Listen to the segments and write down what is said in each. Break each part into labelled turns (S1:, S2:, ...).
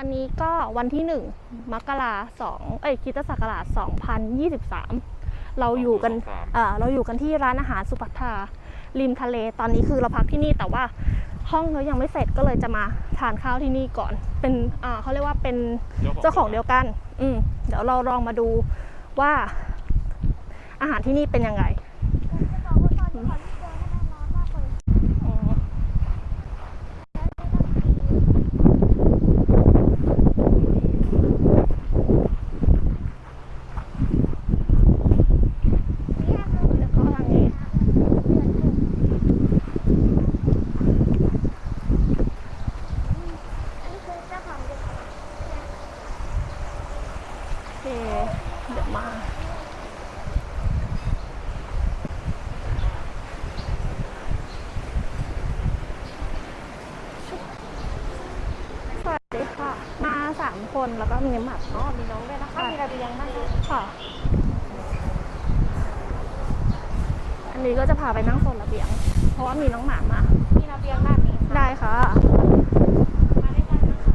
S1: อนนี้ก็วันที่1 มกราคมคริสตศักราช 2023 เราอยู่กันที่ร้านอาหารสุภัทราริมทะเลตอนนี้คือเราพักที่นี่แต่ว่าห้องเรายังไม่เสร็จก็เลยจะมาทานข้าวที่นี่ก่อนเป็นเขาเรียกว่าเป็นเจ้าของเดียวกันเดี๋ยวเราลองมาดูว่าอาหารที่นี่เป็นยังไงเดี๋ยวมาสวัสดีค่ะมา3 คนแล้วก็มีหมัดมีน้องด้วยนะคะมีระเบียงนั่งค่ะอันนี้ก็จะพาไปนั่งโซนระเบียงเพราะว่ามีน้องหมามามีระเบียงด้านนี้ได้ค่ะมาได้กันนะคะ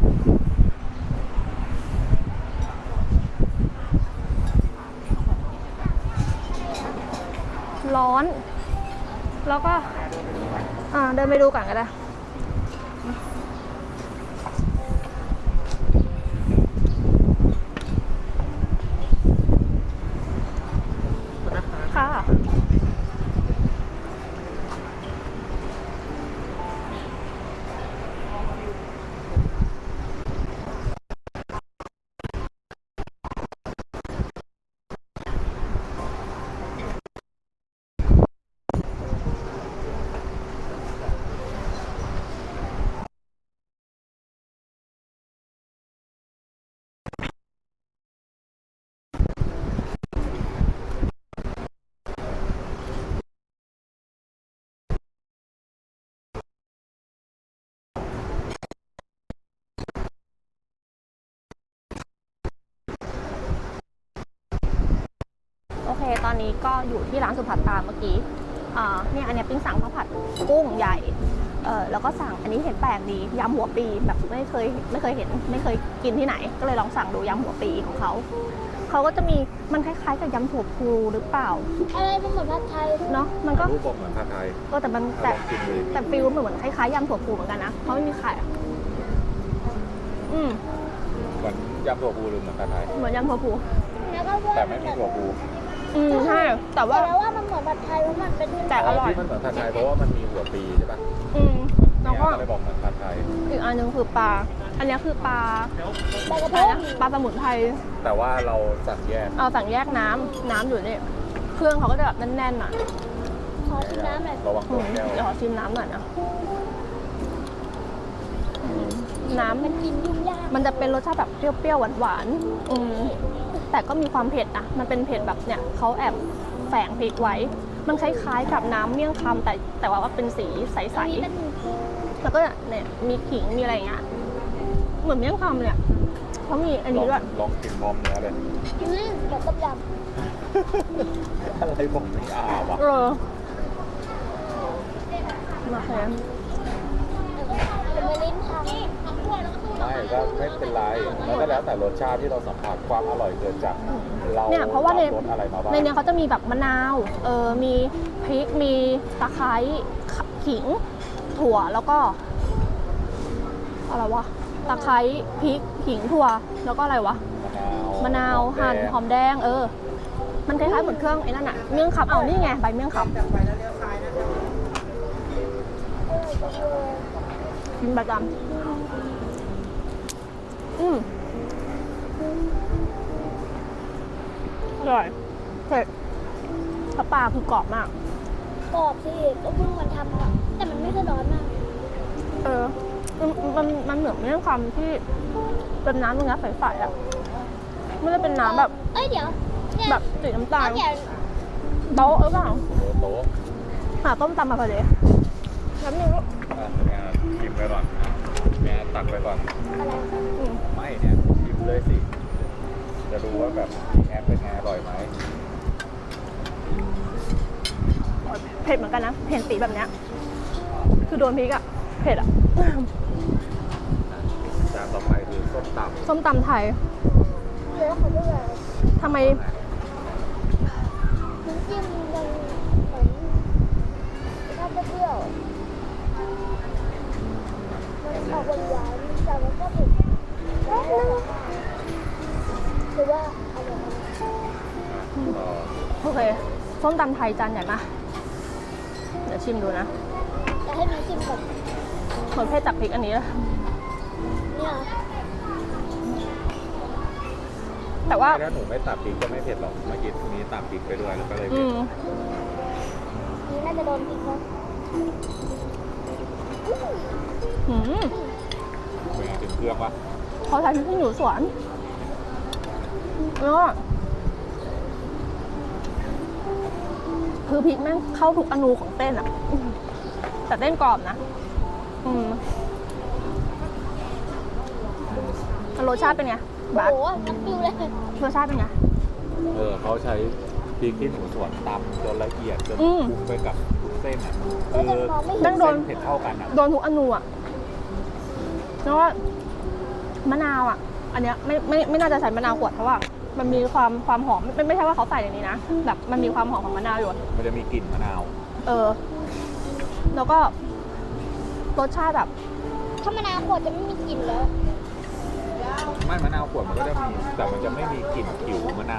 S1: ร้อนแล้วก็เดินไปดูก่อนก็ได้ค่ะโอเคตอนนี้ก็อยู่ที่ร้านสุภัทราเมื่อกี้เนี่ยอันนี้ปิ้งสั่งข้าวผัดกุ้งใหญ่แล้วก็สั่งอันนี้เห็นแปลกดียำหัวปีแบบไม่เคยเห็นไม่เคยกินที่ไหนก็เลยลองสั่งดูยำหัวปีของเขาก็จะมีมันคล้ายๆกับยำถั่วพูหรือเปล่า
S2: อะไรมันเหมือนผัดไทย
S1: เนาะมันก็
S3: รูปบอกเหมือนผัดไทย
S1: ก็แต่มันแต่ฟิลเหมือนคล้ายๆยำถั่วพูเหมือนกันนะเขาไม่มีไข่
S3: เหมือนยำถั่วพูหรือเหมือนผัดไทย
S1: เหมือนยำถั่วพู
S3: แต่ไม่มีถั่วพู
S1: ใช่แต่ว่า
S2: มันเหมือนผัดไทยเพราะมันเป็น
S1: แต่อร่อย
S3: ที่มันเหมือนผัดไทยเพราะว่ามันมีหัวปีใช่ปะ
S1: แล้วก็
S3: เลยบอกเหมือนผัดไทย
S1: อีกอันนึงคือปลาอันนี้คือปลาสมุนไพร
S3: แต่ว่าเราสั่งแยก
S1: สั่งแยกน้ำอยู่นี่เครื่องเขาก็จะแบบแน่นๆหน่อย
S2: ขอชิมน้ำหน่อย
S3: ระวังตัวแก้ว
S1: เดี๋ยวขอชิมน้ำหน่อยนะน้ำ
S2: มันกินยุ่งยาก
S1: มันจะเป็นรสชาติแบบเปรี้ยวๆหวานๆแต่ก็มีความเผ็ดนะมันเป็นเผ็ดแบบเนี่ยเขาแอบแฝงพริกไว้มันคล้ายๆกับน้ำเมี่ยงคำแต่ว่าเป็นสีใสๆแล้วก็เนี่ยมีขิงมีอะไรอย่างเงี้ยเหมือนเมี่ยงคำเนี่ยเขามีอันนี้ด้วย
S3: ลองกินพร้อมเนื้อเลย
S2: แบบต้มย
S3: ำอะไรผมไม่วะ
S1: มาแค่
S2: เป็นลิ้นพัง
S3: ไม่ก็ไม่เป็นไรแล้วก็แล้วแต่รสชาติที่เราสัมผัสความอร่อยเกิดจากเรา
S1: เนี่ยเพราะว่าใน
S3: อะไรมาบ้าง
S1: ในนี้เขาจะมีแบบมะนาวมีพริกมีตะไคร้ขิงถั่วแล้วก็อะไรวะตะไคร้พริกขิงถั่วแล้วก็อะไรวะมะนาวหั่นหอมแดงมันคล้ายๆเหมือนเครื่องไอ้นั่นอะเมี่ยงคำนี่ไงใบเมี่ยงคำกินประจำอร่อยเผ็ดปลาคือกรอบมาก
S2: กรอบสิก็เพิ่งมันทำแต่มันไม่ได้ร้อนมาก
S1: มันเหมือนเมี่ยงคำที่เป็นน้ำตรงนี้ใสๆอ่ะไม่ได้เป็นน้ำแบบ
S2: เดี๋ยว
S1: แบบสีน้ำตาลโต๊ะหรือเปล่า
S3: โต๊ะ
S1: หาต้มตำมาพอดีน้ำนึงลูก
S3: ชิมไปก่อนแม่ตักไปก่อน
S2: อะไร
S3: ไม่เนี่ยชิมเลยสิจะดูว่าแบบแอบเป็นไงอร่อยไหม
S1: เผ็ดเหมือนกันนะเห็นสีแบบเนี้ยคือโดนพริกอะเผ็ดอะ
S3: จานต่อไปคือส้
S1: ส้มตำไทย
S2: แล้วเขาด้วย
S1: ทำไม
S2: น้ำจิ้มยังเหมือนถ้าเปรี้ยวมันออกหวานๆแต่มันก็เผ็ดหรือว่าอะไรนะ
S1: โอเค ส้มตำไทยจานใหญ่มากเดี๋ยวชิมดูนะ
S2: จะให้มีชิมก่อน
S1: เหมือนเผ็ดจากพริกอันนี้เลย
S2: เนี่ย
S1: แต่ว่า
S3: ถ้าหนูไม่ตัดพริกก็ไม่เผ็ดหรอกเมื่อกี้นี้ตัดพริกไปด้วยแล้วก็เลย
S1: อื
S3: เผ็ด
S1: ม
S2: นี่น่าจะโดนพริกนะ
S1: อืม
S3: เป็นไงถึงเครื่องวะ
S1: เขาใช้พริกขี้หนูสวนแล้วก็คือพริกแม่งเข้าทุกอนูของเต้นอ่ะแต่เต้นกรอบนะ อืมรสชาติเป็นไง
S2: โอ้
S1: บาส
S2: โหน้ำปิวเลย
S1: รสชาติเป็นไง
S3: เขาใช้พริกที่หนูส่วนตำจนละเอียดจน
S1: อืม
S3: คลุกไปกับทุกเส้นอ่ะ
S2: แล้วจะมองไม่เห็
S1: แม่
S2: น
S1: งโดน
S3: เส้นเผ็ดเท่ากันอ่ะ
S1: โดนทุกอนูอ่ะแล้วว่ามะนาวอ่ะ อันเนี้ยไม่น่าจะใส่มะนาวขวดเพราะว่า มันมีความหอมไม่ใช่ว่าเขาใส่ในนี้นะแบบมันมีความหอมของมะนาวอยู่
S3: มันจะมีกลิ่นมะนาว
S1: แล้วก็รสชาติแบบ
S2: ถ้ามะนาวขวดจะไม่มีกลิ่นแล้ว
S3: ไม่มะนาวขวดมันก็จะมีแต่มันจะไม่มีกลิ่นผิวมะนาว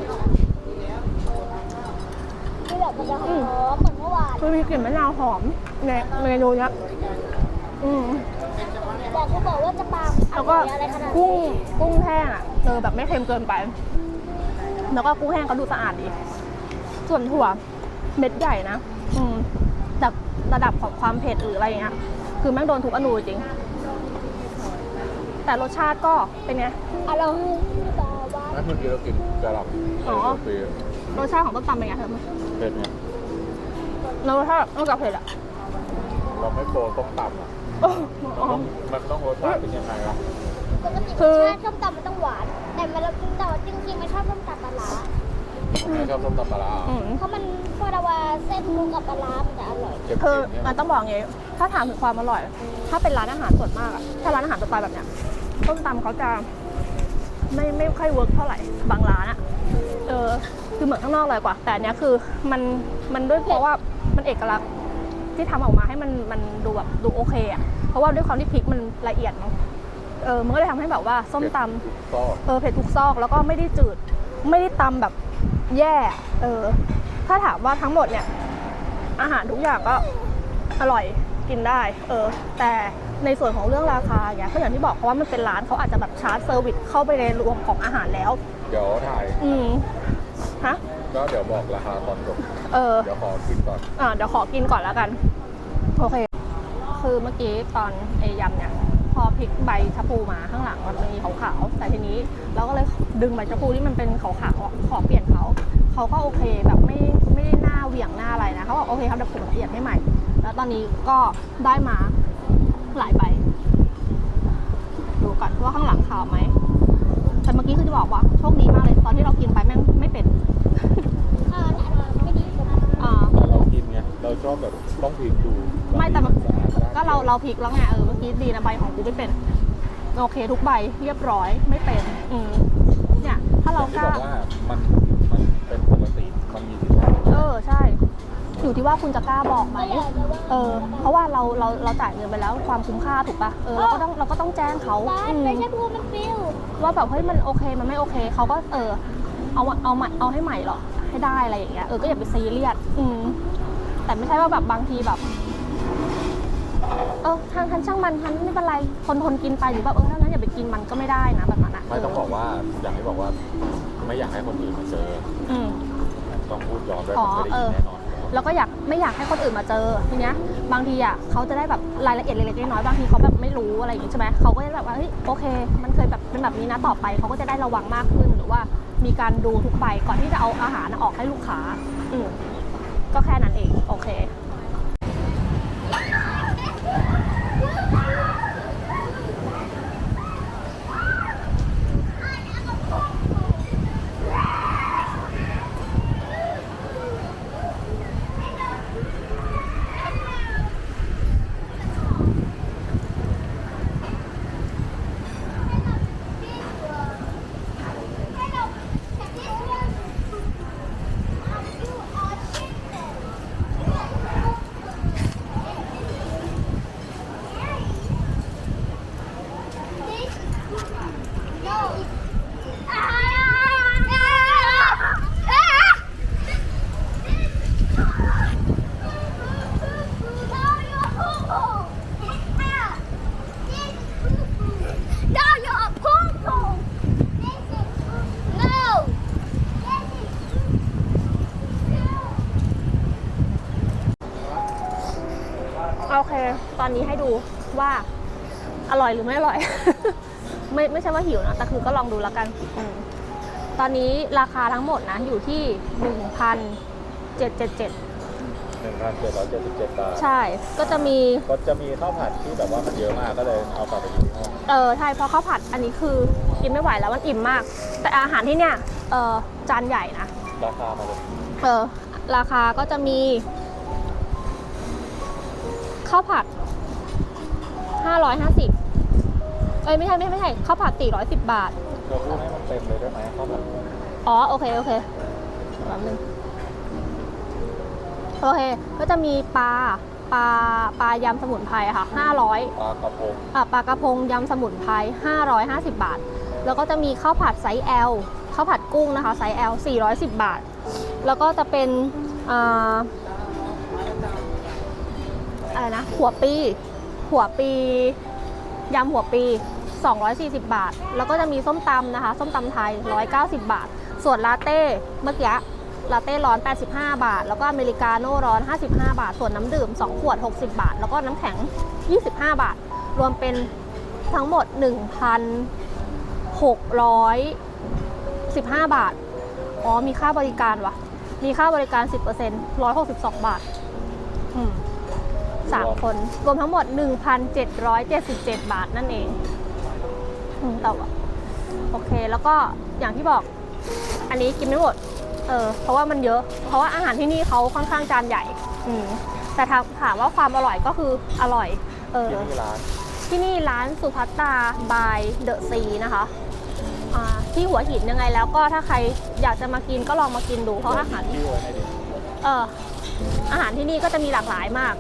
S2: ที่แบบมันจะหอมเหมือนเมื่อวาน
S1: มันมีกลิ่นมะนาวหอมในเมนูเนี้ยอืม
S2: แต่เขาบอกว่าจะปาล์มอ
S1: แล้ว
S2: ร่
S1: ก็
S2: อยอะไรขนาด
S1: กุ้งแห้งอ่ะแบบไม่เค็มเกินไป แล้วก็กุ้งแห้งก็ดูสะอาดดี ส่วนถั่วเม็ดใหญ่นะจากระดับของความเผ็ดหรืออะไรเงี้ย คือแม่งโดนทุกอนูจริง แต่รสชาติก็เป็นไง
S2: อร่อยบาบา
S3: นั่นเมื่อกี้เรากินกระหล่ำ
S1: อ๋อ
S3: เปรี้ยว
S1: รสชาติของต้มตำเป็นไงเธอ
S3: เผ็ดเนี่ย
S1: แล้วรสชาตินอกจากเผ็ดอ่ะ
S3: เราไม่โปรต้มตำอ่ะ มันต้องรสชาติเป็นยังไงอ่ะ
S2: ปกติ
S1: คือ
S2: รสชาติส้มตำมันต้องหวาน แต่มันแต่ว่าจริงๆมันชอบส้มตำปลาร้า
S3: ไม่ชอบส้มตำปลาร้า
S2: เพราะมันพอเราว่าเส้นมุกกับปลาร้ามันจะอร่อย
S3: เค็ม
S1: คือ
S3: ๆเนี่ย
S1: มันต้องบอกอย่างงี้ถ้าถามถึงความอร่อย ถ้าเป็นร้านอาหารส่วนมากอะถ้าร้านอาหารสไตล์แบบเนี้ยต้มตำเขาจะไม่ค่อยเวิร์กเท่าไหร่บางร้านอะคือเหมือนข้างนอกเลยกว่า แต่อันเนี้ยคือมันด้วยเพราะว่ามันเอกลักษณ์ที่ทำออกมาให้มันดูแบบดูโอเคอะเพราะว่าด้วยความที่พริกมันละเอียดเนาะมันก็เลยทำให้แบบว่าส้มตำ
S3: ก็
S1: เผ็ดทุกซอกแล้วก็ไม่ได้จืดไม่ได้ตำแบบแย่ถ้าถามว่าทั้งหมดเนี่ยอาหารทุกอย่างก็อร่อยกินได้แต่ในส่วนของเรื่องราคาเนี่ยก็อย่างที่บอกเพราะว่ามันเป็นร้านเขาอาจจะแบบชาร์จเซอร์วิสเข้าไปในรวมของอาหารแล้ว
S3: เดี๋ยวถ่าย
S1: ฮะ
S3: ก็เดี๋ยวบอกราคาตอนจบ เดี๋ยวขอกินก่อน
S1: เดี๋ยวขอกินก่อนแล้วกันโอเคคือเมื่อกี้ตอนยำเนี่ยพอพลิกใบชะพูมาข้างหลังมันมีขาวๆแต่ทีนี้เราก็เลยดึงใบชะพูที่มันเป็นขาวๆขอเปลี่ยนเขาก็โอเคแบบไม่ได้หน้าเหวี่ยงหน้าอะไรนะเขาบอกโอเคครับเดี๋ยวผมเปลี่ยนให้ใหม่แล้วตอนนี้ก็ได้มาหลายใบดูก่อนว่าข้างหลังขาวไหมแต่เมื่อกี้คือจะบอกว่าโชคดีมากเลยตอนที่เรากินไปแม่งไม่เป็น
S2: ไม่ดีกว่า
S3: เรากินไง เราชอบแบบต้องพลิกดู
S1: ไม่แต่มันก็เราพลิกแล้วไงเมื่อกี้ดีนะใบของกูไม่เป็นโอเคทุกใบเรียบร้อยไม่เป็นเนี่ยถ้าเรา
S3: ที่
S1: กล้า
S3: บอกว่ามันเป็นปกติมันมีสิทธิ์
S1: ใช่อยู่ที่ว่าคุณจะกล้าบอกไหมเพราะว่าเราจ่ายเงินไปแล้วความคุ้มค่าถูกปะเราก็ต้องแจ้งเขา
S2: บ้านไม่ใช่พูมันฟิว
S1: ว่าแบบเฮ้ยมันโอเคมันไม่โอเคเขาก็เอาให้ใหม่หรอให้ได้อะไรอย่างเงี้ยก็อย่าไปซีเรียสแต่ไม่ใช่ว่าแบบบางทีแบบทันช่างมันทันไม่เป็นไรทนกินไปหรือแบบถ้างั้นอย่าไปกินมันก็ไม่ได้นะแบบนั้นนะ
S3: ไม่ต้องบอกว่าอย่างที่บอกว่าไม่อยากให้คนอื่นมาเจอต้องพูดย้อนด้วยผมไม่ได้ยินแน่นอน
S1: แล้วก็ไม่อยากให้คนอื่นมาเจอทีเนี้ยบางทีอ่ะเขาจะได้แบบรายละเอียดเล็กๆน้อยๆบางทีเขาแบบไม่รู้อะไรอย่างงี้ใช่ไหมเขาก็จะแบบว่าเฮ้ยโอเคมันเคยแบบเป็นแบบนี้นะต่อไปเขาก็จะได้ระวังมากขึ้นหรือว่ามีการดูทุกใบก่อนที่จะเอาอาหารออกให้ลูกค้าก็แค่นั้นเองโอเคอนนี้ให้ดูว่าอร่อยหรือไม่อร่อย ไม่ใช่ว่าหิวนะแต่คือก็ลองดูแล้วกันตอนนี้ราคาทั้งหมดนะอยู่ที่ 1,777
S3: 1,777 บาท
S1: ใช่ก็จะมี
S3: ข้าวผัดที่แบบว่ามันเยอะมากก็เลยเอากลับไปกินที่ห้อง
S1: ใช่เพราะข้าวผัดอันนี้คือกินไม่ไหวแล้วมันอิ่มมาก แต่อาหารที่เนี่ยจานใหญ่นะ
S3: ราคามาเลย
S1: ราคาก็จะมีข้าวผัด550ไม่ใช่ข้าวผัด410 บาท
S3: เราพูดให้มันเต็มเลยได้ไหมข้าวผัด
S1: อ๋อโอเคแป๊บนึงโอเคก็จะมีปลายำสมุนไพรค่ะ500
S3: ปลากระพง
S1: ปลากระพงยำสมุนไพร550 บาท แล้วก็จะมีข้าวผัดไซส์ L ข้าวผัดกุ้งนะคะไซส์ L 410 บาท แล้วก็จะเป็นอะไรนะหัวปียำหัวปี240 บาท แล้วก็จะมีส้มตำนะคะส้มตำไทย190 บาท ส่วนลาเต้เมื่อกี้ลาเต้ร้อน85 บาท แล้วก็อเมริกาโน่ร้อน55 บาท ส่วนน้ำดื่ม2ขวด60 บาท แล้วก็น้ำแข็ง25 บาท รวมเป็นทั้งหมด 1,615 บาทอ๋อมีค่าบริการวะมีค่าบริการ 10% 162 บาท3 คนรวมทั้งหมด 1,777 บาทนั่นเองแต่ว่าโอเคแล้วก็อย่างที่บอกอันนี้กินไม่หมดเพราะว่ามันเยอะเพราะว่าอาหารที่นี่เขาค่อนข้างจานใหญ่แต่ถามว่าความอร่อยก็คืออร่อยที่นี่ร้านสุภัตตาบายเดอะซีนะคะที่หัวหินยังไงแล้วก็ถ้าใครอยากจะมากินก็ลองมากินดูเพราะอาหารอาหารที่นี่ก็จะมีหลากหลายมาก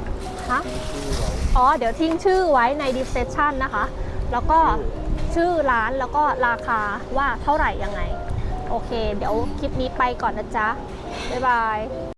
S1: เดี๋ยวทิ้งชื่อไว้ใน description นะคะแล้วก็ชื่อร้านแล้วก็ราคาว่าเท่าไหร่ยังไงโอเคเดี๋ยวคลิปนี้ไปก่อนนะจ๊ะบ๊ายบาย